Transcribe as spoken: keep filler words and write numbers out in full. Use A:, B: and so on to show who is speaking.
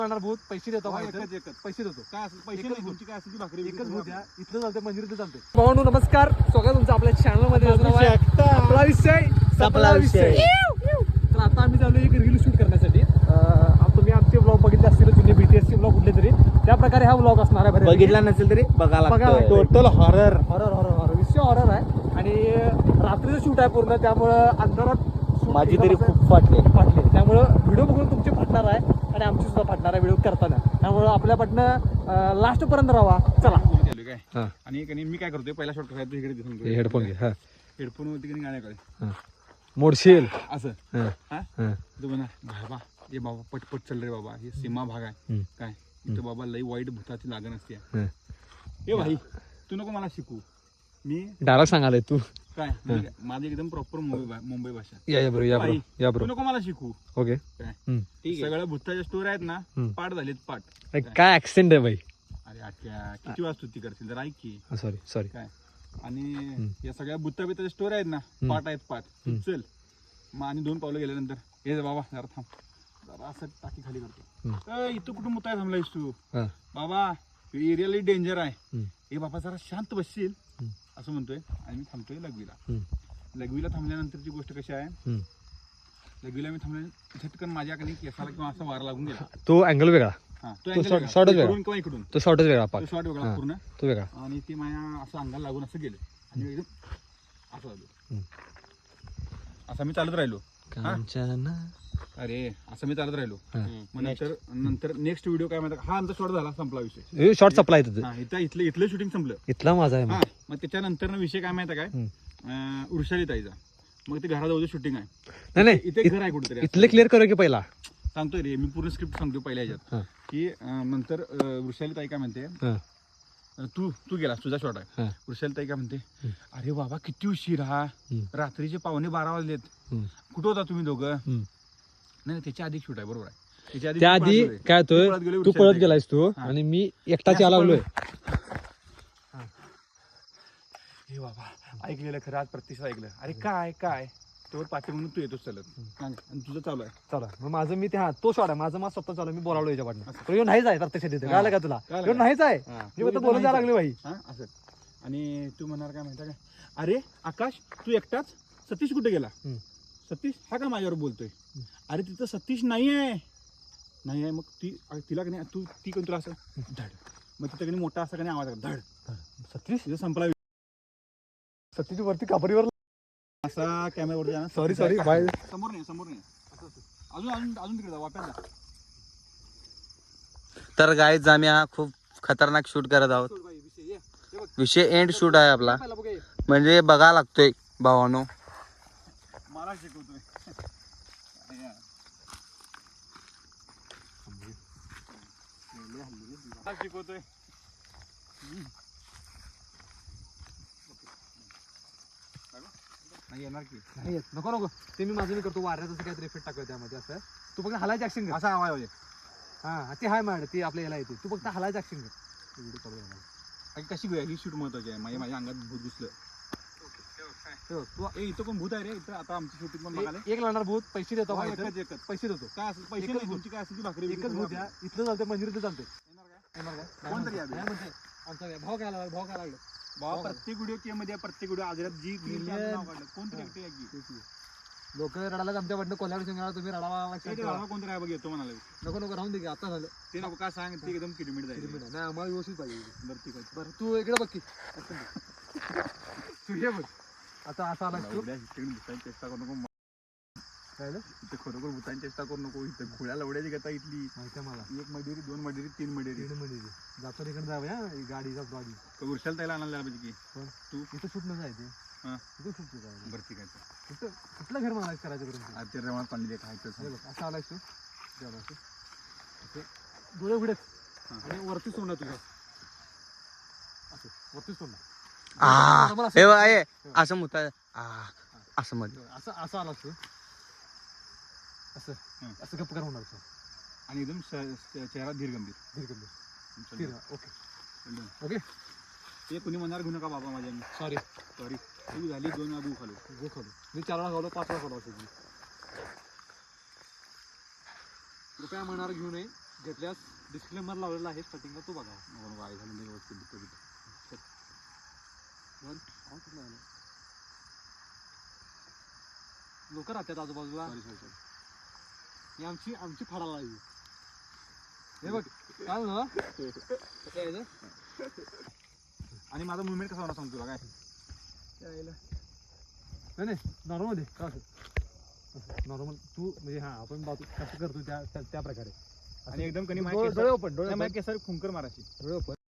A: भूत पैसे देतो
B: एकच एकच
A: पैसे देतो
B: काय असेल पैसे नाही तुमची काय असेल ती भाकरी
A: एकच भूत द्या इथलं चालते मंदिर चालते. भावांनो नमस्कार, स्वागत तुमचं आपल्या चॅनल मध्ये. आपला विषय आपला विषय तर आता आम्ही चालू एक रील शूट करण्यासाठी. तुम्ही आमचे ब्लॉग बघितले असतील जुने बीटीएसचे ब्लॉग कुठले तरी त्या प्रकारे हा ब्लॉग असणार आहे.
C: बघितला नसेल तरी बघा
A: बघा
C: total horror
A: horror horror horror विषय हॉरर आहे आणि रात्रीचं शूट आहे पूर्ण, त्यामुळं अंधारात
C: माझी तरी खूप फाटले
A: फाटले त्यामुळं व्हिडिओ बघून तुमची फाटणार आहे आणि आमची सुद्धा फाटणार आहे व्हिडिओ करताना. त्यामुळं आपल्या पाटणं लास्ट पर्यंत राहा. चला
B: काय आणि मी काय करतोय पहिला शॉट करायचं इकडे दिसून
A: हेडफोन घे.
B: हेडफोन वरती गाण्याकडे
A: मोडशील
B: असं तू म्हणा बाबा हे बाबा पटपट चाल रे बाबा, हे सीमा भाग आहे काय इथं बाबा लई वाईट भूताची लागण असते. हे भाई तू नको मला शिकू, मी
A: डायरेक्ट सांगाले तू
B: काय माझी एकदम प्रॉपर मुंबई मुंबई भाषा.
A: या बरोबर या बरोबर या
B: तू
A: बरोबर
B: नको मला शिकू.
A: ओके
B: काय सगळ्या भूताच्या स्टोरी आहेत ना पाठ झालीत पाठ.
A: काय ऍक्सेंट आहे भाई.
B: अरे आठ्या किती वाजता ती करशील जर ऐक की.
A: सॉरी सॉरी
B: काय आणि या सगळ्या भूता बिताच्या स्टोरी आहेत ना पाठ आहेत पाठ. चल मग आणि दोन पावलं गेल्यानंतर हे बाबा जरा थांब जरा असं टाकी खाली करतो. इथं कुठं मुताय थांबलायस तू बाबा, एरिया लई डेंजर आहे. हे बाबा जरा शांत बसशील असं म्हणतोय आणि मी थांबतोय लघवीला. लघवीला थांबल्यानंतरची गोष्ट कशी आहे, लघवीला मी थांबल्या झटकन माझ्याकडे केसाला किंवा असा वार लागून गेला.
A: तो अँगल वेगळा,
B: हा
A: तो
B: तो
A: शॉर्ट- शॉर्टच वेगळा.
B: इकडून किंवा इकडून
A: तो शॉर्टच वेगळा
B: तो शॉर्ट वेगळा पूर्ण
A: तो वेगळा
B: आणि ते माझ्या असं अंगाला लागून असं गेलं आणि एकदम असं झालं. असं मी चालत राहिलो. अरे असं मी चालत राहिलो. मग नंतर नंतर नेक्स्ट व्हिडिओ काय माहिती, हा आमचा शॉर्ट झाला संपला विषय.
A: शॉर्ट सप्लाय तिथं
B: हा इथं इथलं इथलं शूटिंग संपलं.
A: इथला माझा आहे.
B: हा मग त्याच्यानंतर विषय काय माहिती काय, वृषाली ताईचा. मग ते घराजवळ शूटिंग आहे.
A: नाही नाही
B: इथे घर आहे कुठेतरी.
A: इथले क्लिअर करू की पहिला
B: सांगतोय रे मी पूर्ण स्क्रिप्ट सांगतो पहिल्या ह्याच्यात की नंतर वृषाली ताई काय म्हणते, तू तू गेलास तुझा शॉट आहे. वृषाली ताई काय म्हणते, अरे बाबा किती उशीर हा, रात्रीचे पावणे बारा वाजलेत, कुठं होता तुम्ही दोघं. नाही त्याच्या आधी शूट आहे बरोबर आहे.
A: त्या आधी काय होतं, तू पळत गेलायस तू आणि मी एकटाच यायला लागलोय.
B: हे बाबा ऐकलेलं खरं आज प्रत्यक्ष ऐकलं. अरे काय काय तोवर पाठी म्हणून तू येतोच चालत आणि तुझं चालू आहे.
A: चला मग माझं मी ते हा तो शॉट आहे माझं माझं स्वतः चालू मी बोलावलो याच्या पाठनं. यो नाहीच आहे प्रत्यक्ष तिथे कळलं का तुला, यो नाहीच आहे. मी फक्त बोलत जायला लागले भाई.
B: हा असं आणि तू म्हणणार काय माहिती काय, अरे आकाश तू एकटाच, सतीश कुठे गेला. सतीश हा का माझ्यावर बोलतोय. अरे तिथं सतीश नाही आहे नाही आहे. मग ती तिला का नाही तू ती कोण तुला असं धड, मग तिथं कधी मोठा असा का नाही आवाज धड सतीश तिथं संपला.
A: सतीश वरती कापरीवर
B: असा कॅमेरावरती जाणार.
A: Sorry sorry bye.
B: समोर नाही समोर नाही अजून अजून अजून तिकडे जा वाप्याला.
C: तर गाईज आम्ही हा खूप खतरनाक शूट करत आहोत. विषय एंड शूट आहे आपला, म्हणजे बघा लागतोय भावानो.
B: मला शिकवतोय शिकवतोय नाही येणार की
A: नाही येत. नको नको ते मी माझं मी करतो. वाऱ्याचं असं काहीतरी इफेक्ट टाकतो त्यामध्ये. असं तू फक्त हलायचं ऍक्शन कर.
B: असा आवाज होते.
A: हा ते हाय मॅड ती आपल्या याला येते. तू फक्त हलायचं ऍक्शन कर.
B: कशी घेऊया ही शूट महत्वाची आहे. माझ्या माझ्या अंगात भूत घुसलं. तू इथं कोण भूत आहे रे. इथं आता आमची शूटिंग पण बघायला
A: एक लागणार भूत पैसे देतो.
B: एकच एकच
A: पैसे देतो.
B: काय असेल पैसे नाही तुमची काय असेल ती भाकरी
A: एकच भूत द्या. इथलं चालते मंदिर चालते.
B: येणार काय कोणतरी
A: म्हणजे आमचा भाव काय लागला भाव काय लागलं
B: बाबा प्रत्येक व्हिडिओ के मध्ये प्रत्येक व्हिडिओ आजरात जी कोणतरी एकटे
A: लोक रडायला आमच्या वाटणं कोल्हापूर सिंगाला तुम्ही रडावा
B: कोणतरी आहे बघ येतो म्हणाले.
A: नको नको राहून दे की आता झालं
B: ते नको काय सांग ते एकदम किलोमीटर जाईल.
A: नाही आम्हाला व्यवस्थित पाहिजे.
B: बरं ठीक आहे.
A: बरं तू इकडे बघ की तू ये बघ आता असा आला तू
B: भूतांची चेष्टा करू नको.
A: काय
B: इथे खरोखर भूतांची चेष्टा करू नको. इथं खुळ्या लवड्याची गता इथली
A: माहिती आहे मला.
B: एक मडेरी दोन मडेरी तीन मडेरी
A: तीन मध्ये जातो इकडे जावं या गाडीचा गाडी
B: वर्षाला त्याला आणायला पाहिजे की
A: तू इथं शूट न जायचे.
B: हा
A: इथं शूट जायचं.
B: बरं ठीक आहे.
A: कुठं कुठलं घर मला करायचं करून
B: आज ते रमात पाणी खायचं
A: असं आलायस तू डोळे उघडेच आणि वरती सोडणार तुझ्या असं वरती सोडणार.
C: हे बघ आहे असं मुता असं मध्ये
A: असं असं आलास तू असं असं गप्प कर होणार.
B: आणि एकदम चेहरा धीर गंभीर
A: धीर गंभीर. ओके ओके
B: ते कुणी म्हणणार घेऊ नका बाबा माझ्या.
A: सॉरी
B: सॉरी तू झाली दोन गो खालो
A: गो खालो मी चार वेळा खालो पाच वेळा खालो. असेल कृपया मनावर घेऊ नये. घेतल्यास डिस्क्लेमर लावलेला आहे स्टार्टिंगला, तो बघा.
B: वाय झालं नाही व्यवस्थित बुत्ता बित्ता.
A: लोक राहतात आजूबाजूला.
B: Sorry sorry sorry.
A: ही आमची आमची फाडाला लागली. हे बघ काय ना कसं यायचं.
B: आणि माझा मुवमेंट कसा होणार सांगतो तुला काय.
A: नाही नाही नॉर्मल दे का नॉर्मल तू म्हणजे हा आपण बाजू कसं करतो त्या त्या- त्या प्रकारे.
B: आणि एकदम कणी
A: डोळे डोळे ओपन डोळे
B: माझ्या केसारी फुंकर मारायची.
A: डोळे ओपन